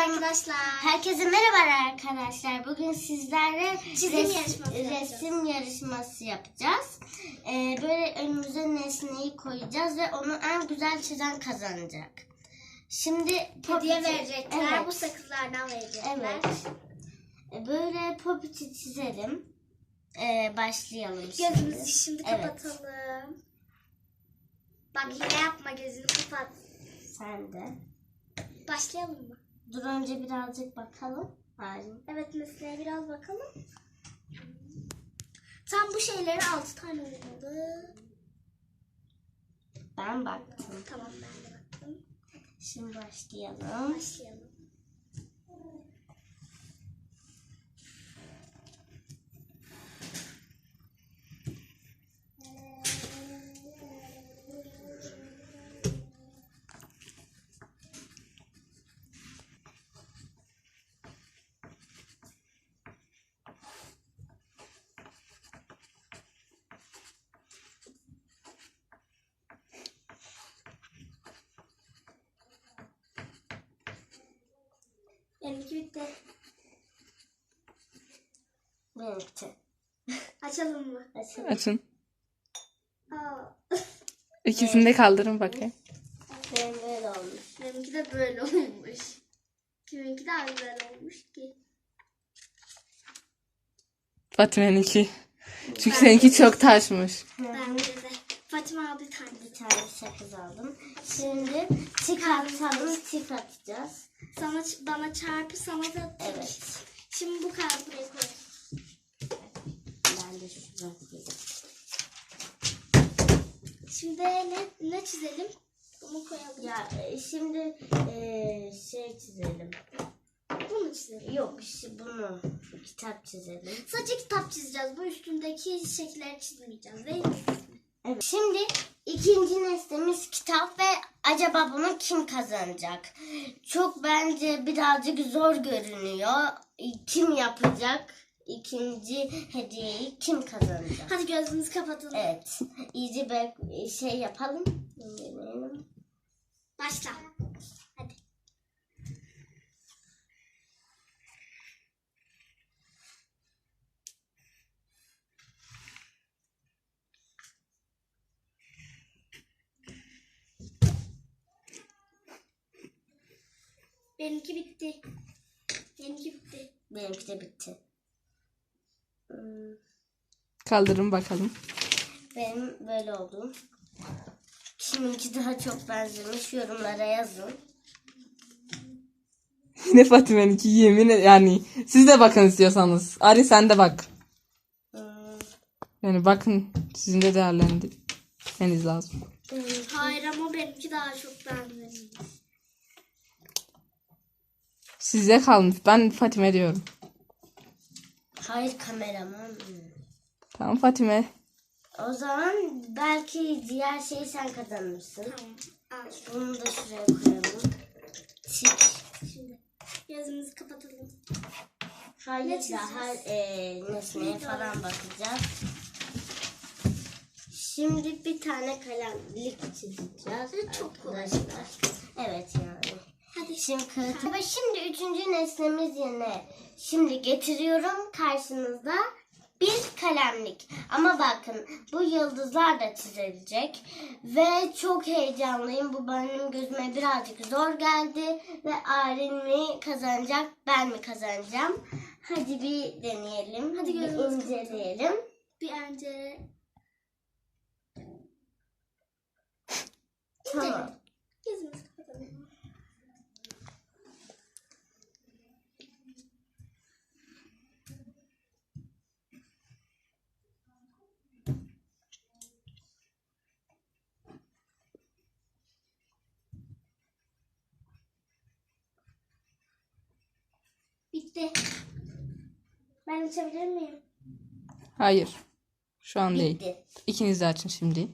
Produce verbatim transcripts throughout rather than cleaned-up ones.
arkadaşlar. Herkese merhaba arkadaşlar. Bugün sizlerle Çizim res- yarışması yapacağız. resim yarışması yapacağız. Ee, böyle önümüze nesneyi koyacağız ve onu en güzel çizen kazanacak. Şimdi Hediye verecekler. Evet. Bu sakızlardan verecekler. Evet. Ee, Böyle popiti çizelim. Ee, başlayalım şimdi. Gözümüzü şimdi Evet. kapatalım. Bak hile yapma, gözünü kapat. Sen de. Başlayalım mı? Dur önce birazcık bakalım. Hayır. Evet, nesneye biraz bakalım. Tam bu şeyleri altı tane olmalı. Ben baktım. Tamam, ben de baktım. Şimdi başlayalım. Başlayalım. Benimki bitti. Benimki. Açalım mı? Açalım. Açın. Aa. İkisini de kaldırın bakayım. Benim böyle olmuş. Benimki de böyle olmuş. Kiminki daha güzel olmuş ki. Fatime'ninki. Çünkü seninki çok taşmış. Bence de. Fatima al bir tane. Bir tane sakız aldım. Şimdi tik atalım, tik atacağız. Sana, bana çarpı, sana da tek. Evet. Şimdi bu kağıdı buraya koy. Ben de şuradan koyayım. Şimdi ne, ne çizelim? Bunu koyalım. Ya e, şimdi e, şey çizelim. Bunu çizelim. Yok işte bunu kitap çizelim. Sadece kitap çizeceğiz. Bu üstündeki şekilleri çizmeyeceğiz değil mi? Evet. Şimdi ikinci nesnemiz kitap ve acaba bunu kim kazanacak? Çok bence birazcık zor görünüyor. Kim yapacak? İkinci hediyeyi kim kazanacak? Hadi gözümüzü kapatalım. Evet. İyice bir şey yapalım. Deneyelim. Başla. Hadi. Benimki bitti. Benimki bitti. Benimki de bitti. Hmm, Kaldırın bakalım. Benim böyle oldu. Kiminki daha çok benzemiş yorumlara yazın. Yine Fatime'ninki yemin ed- yani siz de bakın istiyorsanız. Ari sen de bak. Hmm, Yani bakın sizin de değerlendirmeniz lazım. Hayır ama benimki daha çok benzemiş. Size kalmış. Ben Fatime diyorum. Hayır kameraman. Tamam Fatime. O zaman belki diğer şeyi sen kazanırsın. Tamam. Al. Bunu da şuraya koyalım. Tik. Şimdi gözümüzü kapatalım. Hayır Ne çizeceğiz? daha e, nesneye Ne falan bakacağız. Şimdi bir tane kalemlik çizeceğiz. Çok kolay. arkadaşlar. Evet yani. Hadi. Şimdi kağıt. Ve şimdi üçüncü nesnemiz yine. Şimdi getiriyorum karşınızda bir kalemlik. Ama bakın bu yıldızlar da çizilecek. Ve çok heyecanlıyım. Bu benim gözüme birazcık zor geldi. Ve Arin mi kazanacak, ben mi kazanacağım? Hadi bir deneyelim. Hadi bir gözümüzü inceleyelim. Bir önce Tamam. gözümüzü kapatalım. Bitti. Ben açabilir miyim? Hayır. Şu an değil. Bitti. İkiniz de açın şimdi.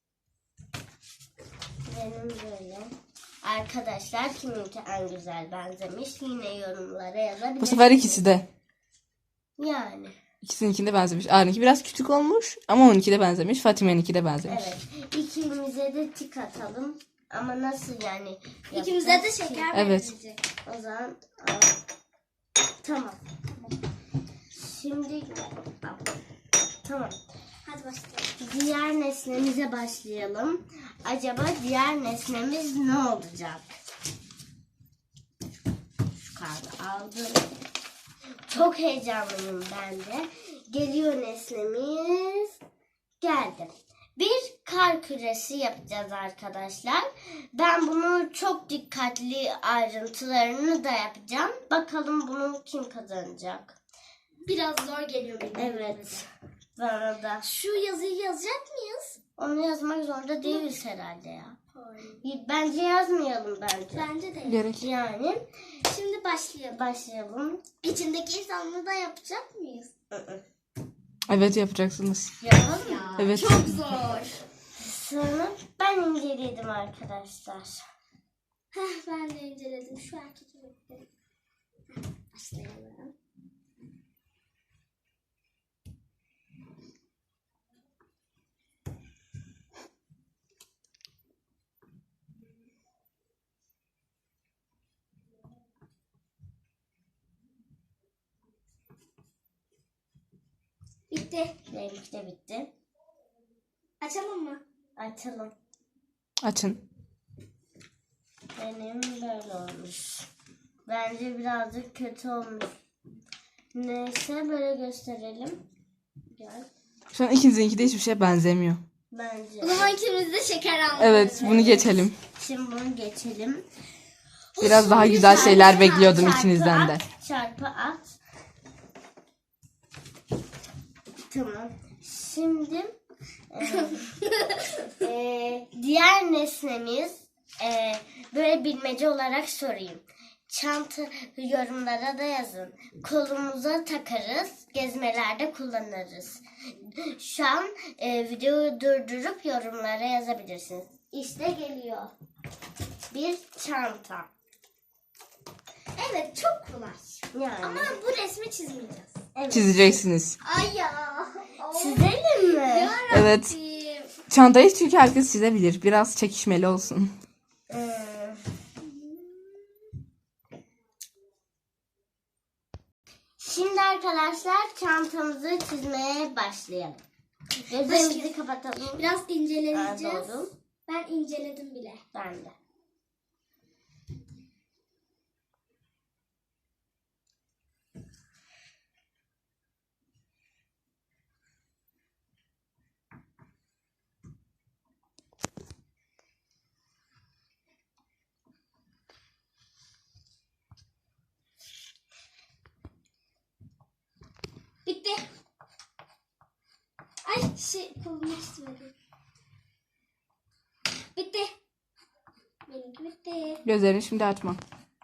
Benim böyle. Arkadaşlar kiminki en güzel benzemiş yine yorumlara yazabilirsiniz. Bu sefer ikisi de. Yani. İkisininkinde benzemiş. Ari'ninki biraz küçük olmuş ama onunki de benzemiş. Fatime'ninki de benzemiş. Evet. İkimize de tik atalım. Ama nasıl yani? İkimize de yapacağız ki? şeker Evet. verilecek. O zaman al. Tamam. Şimdi tamam. Hadi başlayalım. Diğer nesnemize başlayalım. Acaba diğer nesnemiz ne olacak? Şu kağıdı aldım. Çok heyecanlıyım ben de. Geliyor nesnemiz. Geldi. Bir kar küresi yapacağız arkadaşlar. Ben bunu çok dikkatli ayrıntılarını da yapacağım. Bakalım bunu kim kazanacak? Biraz zor geliyor benim. Evet. Bana da. Şu yazıyı yazacak mıyız? Onu yazmak zorunda değiliz herhalde ya. Hayır. Bence yazmayalım bence. Bence de. Gerek. Yani Şimdi başlayalım. başlayalım. İçindeki insanlığı da yapacak mıyız? Evet yapacaksınız. Yapalım mı? Ya, Evet. Çok zor. Sonra ben inceledim arkadaşlar. Heh, ben de inceledim. Şu erkek bekledim. Başlayalım. Bitti. Benimki de bitti. Açalım mı? Açalım. Açın. Benim böyle olmuş. Bence birazcık kötü olmuş. Neyse böyle gösterelim. Gel. Şu an ikinizinki de hiçbir şeye benzemiyor. Bence. O zaman ikimiz de şeker aldık. Evet bunu geçelim. Şimdi bunu geçelim. Biraz daha Şimdi güzel çarpı şeyler at, bekliyordum çarpı ikinizden de. at, Çarpı at. Tamam. Şimdi e, e, diğer nesnemiz e, böyle bilmece olarak sorayım. Çanta yorumlara da yazın. Kolumuza takarız, gezmelerde kullanırız. Şu an e, videoyu durdurup yorumlara yazabilirsiniz. İşte geliyor. Bir çanta. Evet çok kolay. Yani. Ama bu resmi çizmeyeceğiz. Evet. Çizeceksiniz. Ay ya. Çizelim mi? Yarabbim. Evet. Çantayı çünkü herkes çizebilir. Biraz çekişmeli olsun. Ee, Şimdi arkadaşlar çantamızı çizmeye başlayalım. Gözlerimizi Başlayalım. kapatalım. Biraz inceleyeceğiz. Pardon. Ben inceledim bile. Ben de. Bitti. Ay şey kolumu çizmedim. Bitti. Benimki bitti. Gözlerini şimdi açma.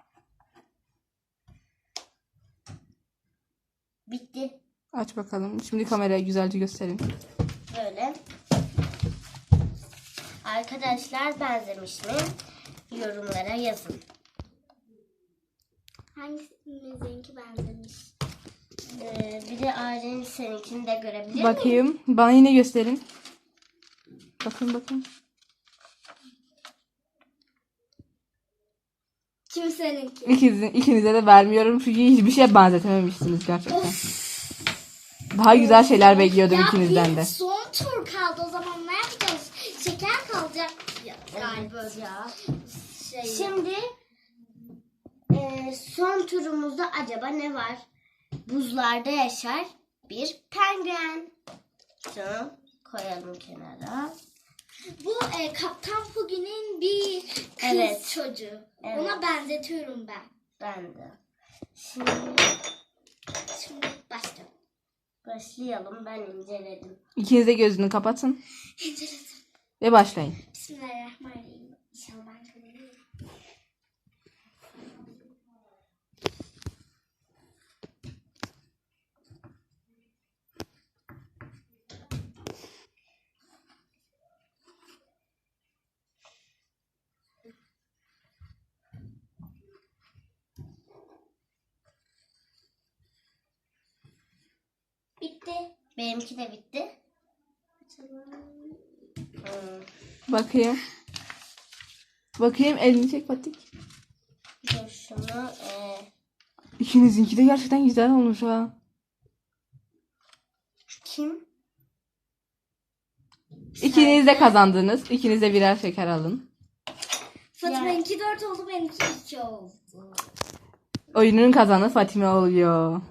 Bitti. Aç bakalım. Şimdi kameraya güzelce gösterin. Böyle. Arkadaşlar benzemiş mi? Yorumlara yazın. Hangimizinki benzemiş? Ee, bir de ailenin seninkini de görebilir miyim? Bakayım. Bana yine gösterin. Bakın bakın. Kimseninki. İkinize, ikinize de vermiyorum çünkü hiçbir şeye benzetememişsiniz gerçekten. Daha güzel şeyler bekliyordum Ya ikinizden bir de. son tur kaldı o zaman ne yapacağız? Şeker kalacak ya, galiba ya. Şey, Şimdi e, son turumuzda acaba ne var? Buzlarda yaşar bir penguen. Şunu koyalım kenara. bu e, Kaptan Pugi'nin bir kız Evet. çocuğu. Evet. Ona benzetiyorum ben. Ben de. Şimdi Şimdi başlayalım. başlayalım. Ben inceledim. İkiniz de gözünü kapatın İnceledim. ve başlayın. Bismillahirrahmanirrahim. İnşallah ben kazanırım. Bitti. Benimki de bitti. Açalım. Hmm. Bakayım. Bakayım elini çek Patik. Dur şunu. bunu e, İkinizinki de gerçekten güzel olmuş ha. kim? İkiniz de kazandınız. İkiniz de birer şeker alın. Fatma'nınki dört oldu, benimki iki oldu. Oyunun kazanı Fatime oluyor.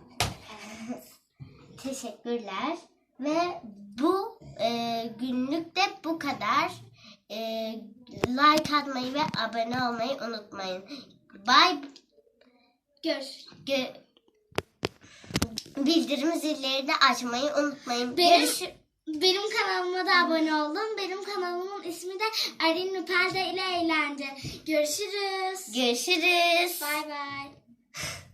Teşekkürler. Ve bu e, günlük de bu kadar. E, like atmayı ve abone olmayı unutmayın. Bye. Görüşürüz. Gö- Bildirim zilleri de açmayı unutmayın. Benim, Görüş- benim kanalıma da abone olun. Benim kanalımın ismi de Arin Nupelde ile Eğlence. Görüşürüz. Görüşürüz. Bay bay.